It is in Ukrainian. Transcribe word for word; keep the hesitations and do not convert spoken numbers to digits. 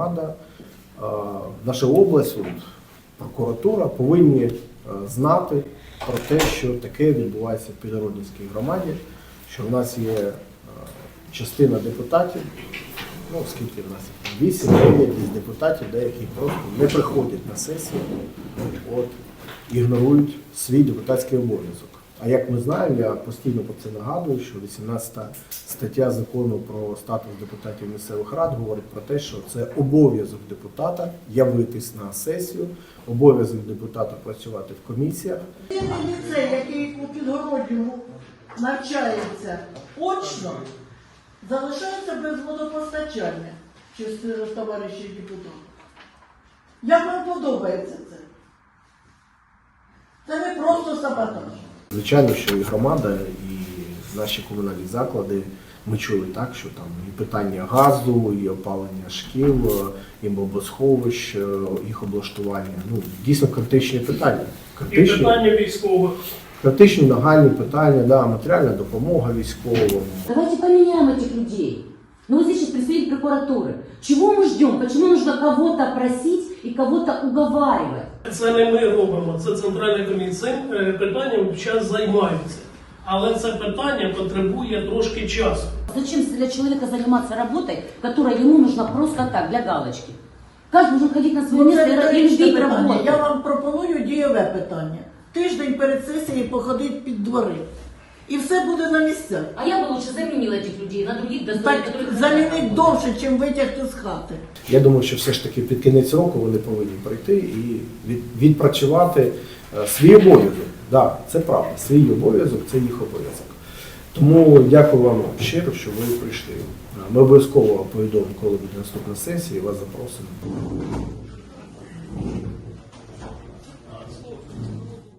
громада, наша область, от, прокуратура повинні знати про те, що таке відбувається в Підгородненській громаді, що в нас є частина депутатів, ну скільки в нас вісім дев'ять депутатів, деякі просто не приходять на сесію, от, ігнорують свій депутатський обов'язок. А як ми знаємо, я постійно про це нагадую, що вісімнадцята стаття закону про статус депутатів місцевих рад говорить про те, що це обов'язок депутата явитись на сесію, обов'язок депутата працювати в комісіях. Ліцей, який у Підгородньому навчається очно, залишається без водопостачання, частина товаришів депутатів. Як вам подобається це? Це не просто саботаж. Звичайно, що і громада, і наші комунальні заклади, ми чули так, що там і питання газу, і опалення шкіл, і бомбосховищ, їх облаштування. Ну, дійсно критичні питання. Критичні, І питання військових. Критичні, нагальні питання, да, матеріальна допомога військовим. Давайте поменяем этих людей. Ну вот здесь сейчас представитель прокуратуры. Чего мы ждем? Почему нужно кого-то просить и кого-то уговаривать? Це не ми робимо, це Центральна комісія. Цим питанням час займається. Але це питання потребує трошки часу. Зачем для человека заниматься работой, которая ему нужна просто так, для галочки? Каждый должен ходить на свое Ну, место це и риторичне любить питання. работу. Я вам пропоную дієве питання. Тиждень перед сесією походить під двори. І все буде на місцях. А я бы лучше заменила этих людей на других достойных, Так которых... замінить довше, ніж витягти з хати. Я думаю, що все ж таки під кінець року вони повинні прийти і від, відпрацювати е, свій обов'язок. Так, да, це правда, свій обов'язок – це їх обов'язок. Тому дякую вам щиро, що ви прийшли. Ми обов'язково повідомимо, коли буде наступна сесія, і вас запросимо.